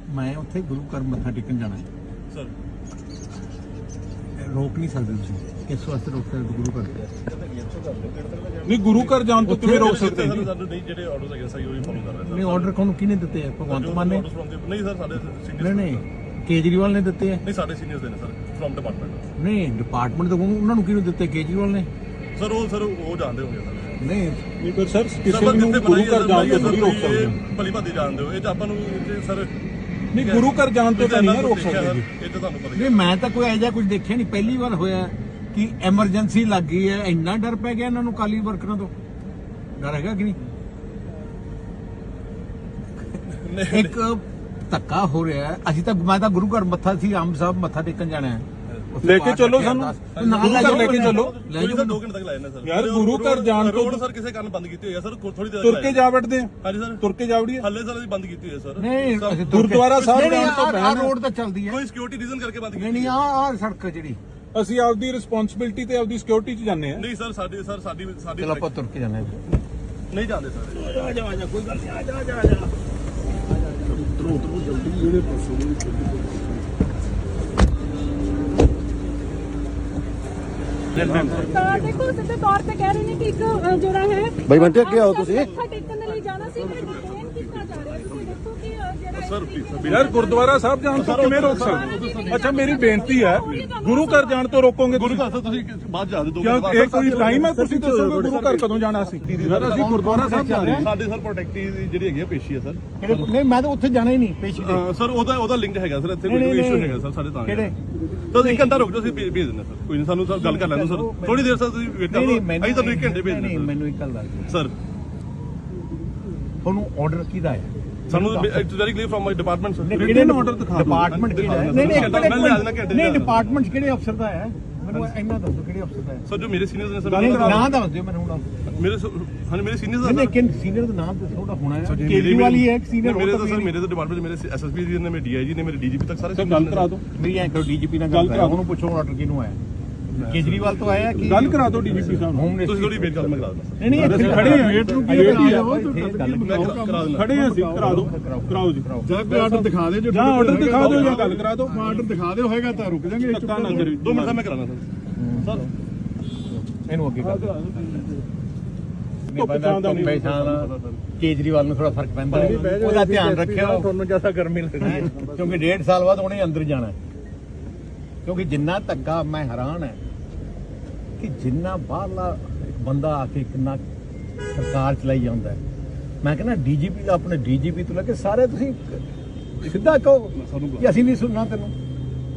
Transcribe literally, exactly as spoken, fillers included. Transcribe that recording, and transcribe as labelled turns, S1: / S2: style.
S1: मैं उत्थे गुरु घर मत्था टेकन जाना है
S2: सर,
S1: रोक नहीं सकते तुसीं किस वास्ते रोक सकते गुरु घर
S3: नहीं गुरु घर जान तो किवें रोक सकते
S2: सर ਸਾਨੂੰ ਨਹੀਂ ਜਿਹੜੇ ਆਰਡਰਸ ਹੈਗੇ ਸਹੀ ਉਹੀ ਫੋਲੋ ਕਰ ਰਹੇ
S1: नहीं ऑर्डर कौन किने दिते हैं भगवंत मान ने
S2: ਨਹੀਂ ਸਰ ਸਾਡੇ
S1: नहीं
S2: ਸੀਨੀਅਰ
S1: नहीं केजरीवाल ने दिते हैं
S2: ਨਹੀਂ ਸਾਡੇ ਸੀਨੀਅਰਸ ਦੇ ਨੇ ਸਰ ਫਰਮ ਡਿਪਾਰਟਮੈਂਟ
S1: नहीं डिपार्टमेंट तो उन्होंने किहनूं दिते केजरीवाल ने
S2: ਸਰ ਉਹ ਸਰ ਉਹ ਜਾਣਦੇ ਹੋਗੇ ਸਰ
S1: नहीं
S3: नहीं पर सर किसी ਨੂੰ ਗੁਰੂ ਘਰ ਜਾਣ ਤੋਂ ਨਹੀਂ ਰੋਕ ਸਕਦੇ
S2: ਭਲੀ ਭਾਦੀ ਜਾਣਦੇ ਹੋ ਇਹ ਤਾਂ ਆਪਾਂ ਨੂੰ ਸਰ
S3: नहीं गुरु घर जान तो नहीं रोक सकते
S2: ਇਹ ਤਾਂ ਤੁਹਾਨੂੰ ਪਤਾ ਹੀ
S1: नहीं मैं तो कोई ऐसा कुछ देखिया नहीं पहली बार होया कि एमरजेंसी लग गई है इन्ना डर पै गया इन्होंने काली वर्करां तो डर हैगा कि नहीं एक धक्का हो रहा है असि तो मैं तो गुरु घर मत्था सी आम साहब मत्था टेकन जाना है
S3: लेके चलो सानू गुरु घर लेके चलो
S2: ਕੋਈ ਸਰ ਦੋ ਘੰਟੇ ਤੱਕ ਲਾਏ ਨੇ ਸਰ
S3: यार गुरु घर जान तो
S2: ਰੋਡ ਸਰ ਕਿਸੇ ਕਾਰਨ ਬੰਦ ਕੀਤੀ ਹੋਈ ਹੈ ਸਰ ਥੋੜੀ ਦੇਰ
S3: तुर के जा बैठते हैं
S2: ਹਾਂਜੀ ਸਰ
S3: तुर के जा वड़िए
S2: ਹੱਲੇ ਸਰ ਅਸੀਂ ਬੰਦ ਕੀਤੀ ਹੋਈ ਹੈ ਸਰ
S1: नहीं
S3: गुरुद्वारा साहब
S1: नहीं,
S3: जान तो
S1: आ- आ
S3: पहले
S1: रोड तो चलती है
S2: ਕੋਈ ਸਿਕਿਉਰਿਟੀ ਰੀਜ਼ਨ ਕਰਕੇ ਬੰਦ
S1: नहीं
S2: ਕੀਤੀ
S1: नहीं आ आ सड़क है जी
S3: ਅਸੀਂ ਆਪਦੀ ਰਿਸਪੌਂਸਿਬਿਲਟੀ ਤੇ ਆਪਦੀ ਸਿਕਿਉਰਿਟੀ 'ਚ ਜਾਂਦੇ ਆ
S2: ਨਹੀਂ ਸਰ ਸਾਡੀ ਸਰ ਸਾਡੀ ਸਾਡੀ
S1: चलो आप तुर के जाना है
S2: ਨਹੀਂ ਜਾਂਦੇ ਸਰ
S4: ਤਾਂ ਦੇਖੋ ਸਿੱਧੇ ਤੌਰ ਤੇ ਕਹਿ ਰਹੇ ਨੇ ਕਿ ਇੱਕ ਅ, ਜਿਹੜਾ ਹੈ
S5: ਬਾਈ ਬੰਟੇ, ਅੱਗੇ ਆਓ ਤੁਸੀਂ।
S4: ਮੱਥਾ ਟੇਕਣ ਦੇ ਲਈ ਜਾਣਾ ਸੀ ਮੈਂ ਡਿਟੇਨ ਕੀਤਾ ਜਾ ਰਿਹਾ ਤੁਸੀਂ ਦੇਖੋ ਕਿ ਅ, ਜਿਹੜਾ
S2: ਸਰ ਪਲੀਜ਼
S3: ਯਾਰ ਗੁਰਦੁਆਰਾ ਸਾਹਿਬ ਜਾਣ ਤੋਂ ਕਿਵੇਂ ਰੋਕ ਸਕਦੇ ਅੱਛਾ ਮੇਰੀ ਬੇਨਤੀ ਹੈ ਗੁਰੂ ਘਰ ਜਾਣ ਤੋਂ ਰੋਕੋਗੇ
S2: ਗੁਰੂ ਘਰ ਸਰ ਤੁਸੀਂ ਬਾਅਦ ਜਾ ਦੇ ਦੋ
S3: ਕਿਉਂ ਇਹ ਕੋਈ ਟਾਈਮ ਹੈ ਤੁਸੀਂ ਦੱਸੋਗੇ ਗੁਰੂ ਘਰ ਕਦੋਂ ਜਾਣਾ ਸੀ ਯਾਰ ਅਸੀਂ ਗੁਰਦੁਆਰਾ ਸਾਹਿਬ ਜਾ ਰਹੇ ਹਾਂ
S2: ਸਾਡੇ ਸਰ ਪ੍ਰੋਟੈਕਟਿਵ ਜਿਹੜੀ ਹੈਗੀ ਆ ਪੇਸ਼ੀ ਹੈ ਸਰ
S1: नहीं मैं तो उत्थे जाना ही नहीं पेशी दे
S2: ਅਹ ਸਰ ਉਹਦਾ ਉਹਦਾ ਲਿੰਕ ਹੈਗਾ ਸਰ ਇੱਥੇ
S1: ਨਹੀਂ,
S2: ਕੋਈ
S1: ਨਹੀਂ,
S2: ਇਸ਼ੂ
S1: ਨਹੀਂ।
S2: ਹੈਗਾ ਸਰ ਸਾਡੇ ਤਾਂ
S1: ਕਿਹੜੇ?
S2: ਤਾਂ ਇੱਕ ਘੰਟਾ ਰੁਕ ਜਾਓ ਅਸੀਂ ਭੇਜ ਭੇਜ ਦਿੰਦੇ ਸਰ ਕੋਈ ਨਹੀਂ ਸਾਨੂੰ ਸਰ ਗੱਲ ਕਰ ਲੈਣ ਦਿਓ ਸਰ ਥੋੜੀ ਦੇਰ ਸਰ ਤੁਸੀਂ ਵੇਟ
S1: नहीं
S2: ਕਰੋ
S1: नहीं मैंने
S2: ਅਸੀਂ ਤੁਹਾਨੂੰ ਇੱਕ ਘੰਟੇ ਭੇਜ
S1: नहीं
S2: ਦਿੰਦੇ
S1: मैंने एक गल दस
S2: ਸਰ
S1: ਤੁਹਾਨੂੰ ਆਰਡਰ ਕਿਹਦਾ ਹੈ
S2: ਸਾਨੂੰ it's very clear from my department sir
S1: ਕਿਹੜੇ
S3: order ਦਿਖਾ ਦਿਓ।
S1: ਡਿਪਾਰਟਮੈਂਟ ਕਿਹੜਾ ਹੈ
S2: ਨਹੀਂ,
S1: ਨਹੀਂ
S2: ਘੰਟਾ ਮੈਂ ਲਿਆ ਦੇਣਾ ਘੰਟੇ
S1: ਨਹੀਂ
S2: ਦਾ।
S1: ਡਿਪਾਰਟਮੈਂਟ ਕਿਹੜੇ ਅਫਸਰ ਦਾ ਹੈ ਮੈਨੂੰ ਇੰਨਾ ਦੱਸੋ ਕਿਹੜੇ ਅਫਸਰ ਦਾ ਹੈ
S2: ਸਰ ਜੋ ਮੇਰੇ ਸੀਨੀਅਰਸ ਨੇ
S1: ਨਹੀਂ
S2: ਸਰ
S1: ਨਾਮ ਦੱਸ ਦਿਓ ਮੈਨੂੰ ਹੁਣ
S2: ਮੇਰੇ ਹਾਂ ਮੇਰੇ ਸੀਨੀਅਰਸ
S1: ਨਹੀਂ
S2: ਦਾ
S1: ਲੇਕਿਨ ਸੀਨੀਅਰ ਦਾ ਨਾਮ ਦੱਸੋ ਉਹਦਾ ਹੋਣਾ ਹੈ ਕੇਜਰੀਵਾਲ ਹੀ ਹੈ ਇੱਕ ਸੀਨੀਅਰ
S2: ਮੇਰੇ ਤਾਂ ਸਰ ਮੇਰੇ ਤਾਂ ਡਿਪਾਰਟਮੈਂਟ ਮੇਰੇ ਐਸਐਸਪੀ ਜੀ ਨੇ ਮੇਰੇ ਡੀਆਈਜੀ ਨੇ ਮੇਰੇ ਡੀਜੀਪੀ ਤੱਕ ਸਾਰੇ
S3: ਸਰ ਗੱਲ ਕਰਾ ਦਿਓ
S1: ਮੇਰੀ ਐਂ ਕਰੋ ਡੀਜੀਪੀ ਨਾਲ ਗੱਲ ਕਰਾ ਉਹਨੂੰ ਪੁੱਛੋ ਆਰਡਰ ਕਿਹਨੂੰ ਆਇਆ ਕੇਜਰੀਵਾਲ ਤੋਂ ਆਇਆ ਕਿ
S3: ਗੱਲ ਕਰਾ ਦਿਓ ਡੀਜੀਪੀ ਸਾਹਿਬ ਨੂੰ
S1: ਹੋਮ
S2: ਤੁਸੀਂ
S1: ਮਿਨਿਸਟਰ
S2: ਥੋੜੀ ਵੇਟ ਕਰੋ ਮੈਂ ਕਰਾ ਦਿੰਦਾ
S1: ਨਹੀਂ ਨਹੀਂ ਇੱਥੇ
S3: ਖੜੇ ਹਾਂ ਵੇਟ ਨੂੰ ਕੀ
S1: ਵੇਟ ਹੀ
S3: ਕਰਾ
S1: ਆ
S3: ਦਿਓ
S2: ਮੈਂ ਕਰਾ ਦਿੰਦਾ
S3: ਖੜੇ ਹਾਂ ਅਸੀਂ ਕਰਾ ਦਿਓ ਕਰਾਓ ਜੀ
S5: ਜਾਂ ਕੋਈ ਆਰਡਰ ਦਿਖਾ ਦੇ ਜੋ
S3: ਜਾਂ ਆਰਡਰ ਦਿਖਾ ਦਿਓ ਜਾਂ ਗੱਲ ਕਰਾ ਦਿਓ
S5: ਆਰਡਰ ਦਿਖਾ ਦਿਓ ਹੋਏਗਾ ਤਾਂ ਰੁਕ ਜਾਾਂਗੇ
S3: ਧੱਕਾ ਨਾ ਕਰੀ
S2: ਦੋ ਮਿੰਟ ਦਾ ਮੈਂ ਕਰਾਣਾ ਸਰ ਸਰ
S1: ਇਹਨੂੰ ਅੱਗੇ ਕਰ
S3: ਧੁੱਪ ਛਾਂ ਦਾ ਨਹੀਂ।
S1: ਕੇਜਰੀਵਾਲ ਨੂੰ ਥੋੜਾ ਫਰਕ ਪੈਂਦਾ ਹੈ। ਉਹਦਾ ਧਿਆਨ ਰੱਖਿਓ ਤੁਹਾਨੂੰ ਜਿਆਦਾ ਗਰਮੀ ਲੱਗਦੀ ਹੈ ਕਿਉਂਕਿ ਡੇਢ ਸਾਲ ਬਾਅਦ ਉਹਨੇ ਅੰਦਰ ਜਾਣਾ ਹੈ। ਕਿਉਂਕਿ ਜਿੰਨਾ ਧੱਕਾ ਮੈਂ ਹੈਰਾਨ ਹੈ ਕਿ ਜਿੰਨਾ ਬਾਹਰਲਾ ਇੱਕ ਬੰਦਾ ਆ ਕੇ ਕਿੰਨਾ ਸਰਕਾਰ ਚਲਾਈ ਜਾਂਦਾ ਹੈ। ਮੈਂ ਕਹਿੰਦਾ ਡੀਜੀਪੀ ਦਾ ਆਪਣੇ ਡੀਜੀਪੀ ਤੋਂ ਲੈ ਕੇ ਸਾਰੇ ਤੁਸੀਂ ਸਿੱਧਾ ਕਹੋ ਕਿ ਅਸੀਂ ਨਹੀਂ ਸੁਣਨਾ ਤੈਨੂੰ